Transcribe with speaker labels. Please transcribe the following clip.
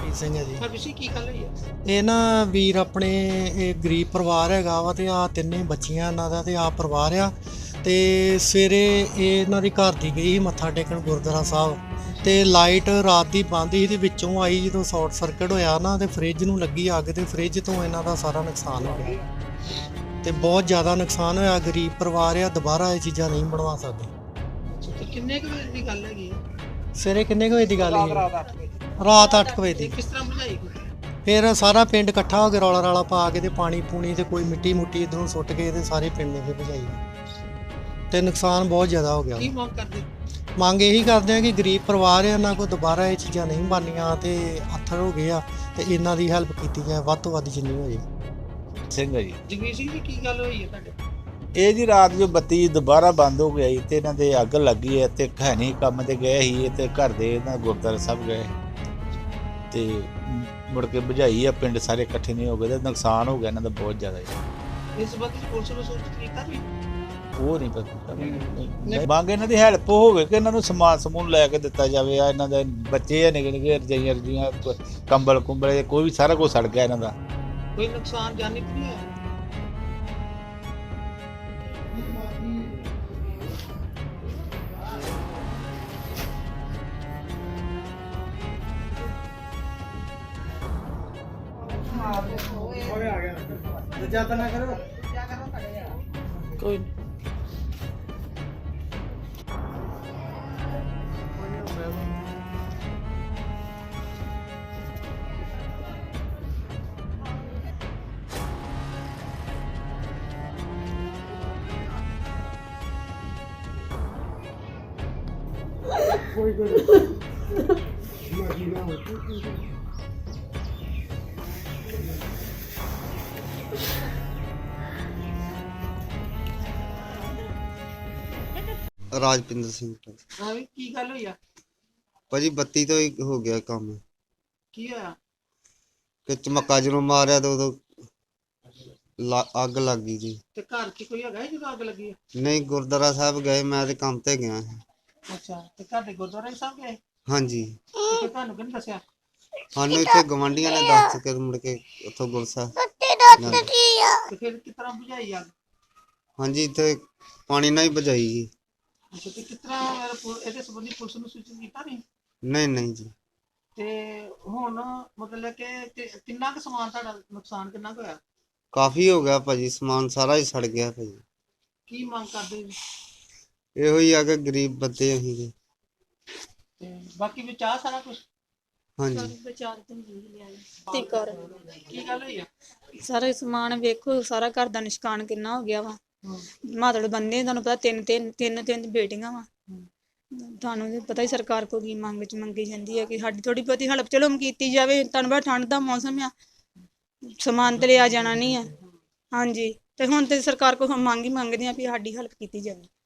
Speaker 1: ਹਰਪ੍ਰੀਤ ਸਿੰਘ ਹੈ ਜੀ।
Speaker 2: ਹਰਵਿਸ਼ੀ ਕੀ ਗੱਲ ਹੋਈ ਹੈ?
Speaker 1: ਇਹ ਨਾ ਵੀਰ ਆਪਣੇ ਇਹ ਗਰੀਬ ਪਰਿਵਾਰ ਹੈਗਾ ਵਾ ਤੇ ਆ ਤਿੰਨੇ ਬੱਚੀਆਂ ਇਹਨਾਂ ਦਾ ਤੇ ਆ ਪਰਿਵਾਰ ਆ। ਤੇ ਸਵੇਰੇ ਇਹ ਇਹਨਾਂ ਦੀ ਘਰ ਦੀ ਗਈ ਸੀ ਮੱਥਾ ਟੇਕਣ ਗੁਰਦੁਆਰਾ ਸਾਹਿਬ ਤੇ ਲਾਈਟ ਰਾਤ ਦੀ ਬੰਦ ਸੀ ਤੇ ਵਿੱਚੋਂ ਆਈ ਜਦੋਂ ਸ਼ਾਰਟ ਸਰਕਟ ਹੋਇਆ ਨਾ ਤੇ ਫ੍ਰਿਜ ਨੂੰ ਲੱਗੀ ਅੱਗ ਤੇ ਫ੍ਰਿਜ ਤੋਂ ਇਹਨਾਂ ਦਾ ਸਾਰਾ ਨੁਕਸਾਨ ਹੋ ਗਿਆ ਤੇ ਬਹੁਤ ਜ਼ਿਆਦਾ ਨੁਕਸਾਨ ਹੋਇਆ। ਗਰੀਬ ਪਰਿਵਾਰ ਆ, ਦੁਬਾਰਾ ਇਹ ਚੀਜ਼ਾਂ ਨਹੀਂ ਬਣਵਾ ਸਕਦੇ।
Speaker 2: ਤੇ ਕਿੰਨੇ ਕੁ ਵਜੇ ਦੀ ਗੱਲ ਹੈਗੀ ਹੈ?
Speaker 1: ਸਵੇਰੇ ਕਿੰਨੇ ਕੁ ਵਜੇ ਦੀ ਗੱਲ ਹੈ?
Speaker 2: ਰਾਤ 8 ਵਜੇ।
Speaker 1: ਰਾਤ 8 ਵਜੇ
Speaker 2: ਤੇ
Speaker 1: ਦੀ।
Speaker 2: ਕਿਸ ਤਰ੍ਹਾਂ ਬੁਝਾਈ?
Speaker 1: ਫਿਰ ਸਾਰਾ ਪਿੰਡ ਇਕੱਠਾ ਹੋ ਕੇ ਰੌਲਾ ਰਾਲਾ ਪਾ ਕੇ ਤੇ ਪਾਣੀ ਪੂਣੀ ਤੇ ਕੋਈ ਮਿੱਟੀ ਮੁੱਟੀ ਇਧਰੋਂ ਸੁੱਟ ਕੇ ਤੇ ਸਾਰੇ ਪਿੰਡ ਨੇ ਫਿਰ ਭਜਾਈ ਤੇ ਨੁਕਸਾਨ ਬਹੁਤ ਜ਼ਿਆਦਾ ਹੋ ਗਿਆ।
Speaker 2: ਕੀ ਮੰਗ ਕਰਦੇ?
Speaker 1: ਮੰਗ ਇਹੀ ਕਰਦੇ ਆ ਕਿ ਗਰੀਬ ਪਰਿਵਾਰ ਆ, ਇਹਨਾਂ ਕੋਲ ਦੁਬਾਰਾ ਇਹ ਚੀਜ਼ਾਂ ਨਹੀਂ ਬਣਨੀਆਂ ਤੇ ਆਥਰ ਹੋ ਗਏ ਆ ਤੇ ਇਹਨਾਂ ਦੀ ਹੈਲਪ ਕੀਤੀ ਜਾਏ ਵੱਧ ਤੋਂ ਵੱਧ ਜਿੰਨੀ ਹੋ ਜਾਏ।
Speaker 3: ਸਿੰਘ ਹੈ ਜੀ।
Speaker 2: ਜਗਵੀਰ ਸਿੰਘ ਜੀ ਕੀ ਗੱਲ ਹੋਈ ਹੈ ਤੁਹਾਡੇ?
Speaker 3: ਇਹ ਜੀ ਰਾਤ ਜੋ ਬੱਤੀ ਦੁਬਾਰਾ ਬੰਦ ਹੋ ਗਈ ਤੇ ਇਹਨਾਂ ਦੇ ਅੱਗ ਲੱਗੀ ਹੈ ਤੇ ਹੈ ਨਹੀਂ ਕੰਮ ਤੇ ਗਏ ਸੀ ਤੇ ਘਰ ਦੇ ਇਹਨਾਂ ਗੁਰਦੁਆਰਾ ਸਾਹਿਬ ਗਏ ਤੇ ਮੁੜ ਕੇ ਬੁਝਾਈ ਆ, ਪਿੰਡ ਸਾਰੇ ਇਕੱਠੇ ਨਹੀਂ ਹੋ ਗਏ ਤੇ ਨੁਕਸਾਨ ਹੋ ਗਿਆ ਇਹਨਾਂ ਦਾ ਬਹੁਤ ਜ਼ਿਆਦਾ ਜੀ।
Speaker 2: ਇਸ ਸੰਬੰਧੀ ਪੁਲਿਸ ਨੂੰ ਸੂਚਿਤ ਕੀਤਾ ਵੀ?
Speaker 3: ਉਹ ਨਹੀਂ ਪਤਾ। ਮੰਗ ਇਹਨਾਂ ਦੀ ਹੈਲਪ ਹੋਵੇ ਕਿ ਇਹਨਾਂ ਨੂੰ ਸਮਾਨ ਸਮੂਨ ਲੈ ਕੇ ਦਿੱਤਾ ਜਾਵੇ। ਆ ਇਹਨਾਂ ਦੇ ਬੱਚੇ ਆ ਨਿੱਕੇ ਨਿੱਕੇ, ਰਜਾਈਆਂ ਰਜੀਆਂ, ਕੰਬਲ ਕੁੰਬਲ, ਕੋਈ ਵੀ ਸਾਰਾ ਕੁਝ ਸੜ ਗਿਆ ਇਹਨਾਂ ਦਾ।
Speaker 2: ਕੋਈ ਨੁਕਸਾਨ ਜਾਨੀ ਤਾਂ ਨਹੀਂ ਹੋਇਆ? ਕੋਈ
Speaker 4: ਰਾਜਪਿੰਦਰ ਸਿੰਘ
Speaker 2: ਹਾਂ ਵੀ ਕੀ ਗੱਲ ਹੋਈ ਆ?
Speaker 4: ਭਾਜੀ ਬੱਤੀ ਤੋਂ ਹੀ ਹੋ ਗਿਆ ਕੰਮ
Speaker 2: ਕੀ ਹੋਇਆ?
Speaker 4: ਕਿ ਚਮੱਕਾ ਜਦੋਂ ਮਾਰਿਆ ਤਾਂ ਉਦੋਂ ਅੱਗ ਲੱਗ ਗਈ ਜੀ।
Speaker 2: ਤੇ ਘਰ 'ਚ ਕੋਈ ਹੈਗਾ ਜਦੋਂ ਅੱਗ ਲੱਗੀ ਹੈ?
Speaker 4: ਨਹੀਂ, ਗੁਰਦੁਆਰਾ ਸਾਹਿਬ ਗਏ, ਮੈਂ ਤੇ ਕੰਮ ਤੇ ਗਿਆ ਸੀ।
Speaker 2: ਅੱਛਾ, ਤੇ ਘਰ ਦੇ ਗੁਰਦੁਆਰੇ ਸਾਹਿਬ ਗਏ?
Speaker 4: ਹਾਂਜੀ,
Speaker 2: ਤੇ ਫਿਰ ਤੁਹਾਨੂੰ ਕਿਹਨੇ ਦੱਸਿਆ?
Speaker 4: ਸਾਨੂੰ ਇੱਥੇ ਗਵਾਂਢੀਆਂ ਨੇ ਦੱਸ ਕੇ ਮੁੜ ਕੇ ਉੱਥੋਂ ਗੁਰਸਾ।
Speaker 2: ਤੇ ਫਿਰ ਕਿਸ ਤਰ੍ਹਾਂ ਬੁਝਾਈ ਅੱਗ?
Speaker 4: ਹਾਂਜੀ, ਇੱਥੇ ਪਾਣੀ ਨਾਲ ਹੀ ਬੁਝਾਈ ਜੀ।
Speaker 2: ਅੱਛਾ, ਤੇ ਕਿਸ ਤਰ੍ਹਾਂ ਇਹਦੇ ਸੰਬੰਧੀ ਪੁਲਿਸ ਨੂੰ ਸੂਚਿਤ ਕੀਤਾ ਨਹੀਂ?
Speaker 4: ਨਹੀਂ ਜੀ।
Speaker 2: ਤੇ ਹੁਣ ਮਤਲਬ ਕਿ ਕਿੰਨਾ ਕੁ ਸਮਾਨ ਤੁਹਾਡਾ ਨੁਕਸਾਨ ਕਿੰਨਾ ਕੁ ਹੋਇਆ?
Speaker 4: ਕਾਫੀ ਹੋ ਗਿਆ ਭਾਜੀ, ਸਮਾਨ ਸਾਰਾ ਹੀ ਸੜ ਗਿਆ ਭਾਜੀ।
Speaker 2: ਕੀ ਮੰਗ ਕਰਦੇ ਜੀ?
Speaker 4: ਇਹੋ ਹੀ ਆ ਕਿ ਗਰੀਬ ਬੰਦੇ ਅਸੀਂ ਜੀ।
Speaker 2: ਤੇ ਬਾਕੀ ਵਿੱਚ ਆ ਸਾਰਾ ਕੁਝ?
Speaker 4: ਹਾਂਜੀ।
Speaker 5: ਤੇ ਕਰ
Speaker 2: ਕੀ ਗੱਲ ਹੋਈ ਆ?
Speaker 5: ਸਾਰਾ ਸਮਾਨ ਵੇਖੋ, ਸਾਰਾ ਘਰ ਦਾ ਨਿਸ਼ਕਾਨ ਕਿੰਨਾ ਹੋ ਗਿਆ ਵਾ। ਮਾਤੜ ਬੰਦੇ ਤੁਹਾਨੂੰ ਪਤਾ ਤਿੰਨ ਬੇਟੀਆਂ ਵਾ। ਤੁਹਾਨੂੰ ਤੇ ਪਤਾ ਹੀ ਸਰਕਾਰ ਕੋਲ ਕੀ ਮੰਗ ਵਿੱਚ ਮੰਗੀ ਜਾਂਦੀ ਹੈ ਕਿ ਸਾਡੀ ਥੋੜੀ ਬਹੁਤੀ ਹੈਲਪ ਚਲੋ ਕੀਤੀ ਜਾਵੇ। ਤੁਹਾਨੂੰ ਪਤਾ ਠੰਡ ਦਾ ਮੌਸਮ ਆ, ਸਮਾਨ ਤੇ ਲਿਆ ਜਾਣਾ ਨਹੀਂ ਆ। ਹਾਂਜੀ, ਤੇ ਹੁਣ ਤੇ ਸਰਕਾਰ ਕੋਲ ਮੰਗ ਹੀ ਮੰਗਦੇ ਆ ਵੀ ਸਾਡੀ ਹੈਲਪ ਕੀਤੀ ਜਾਵੇ।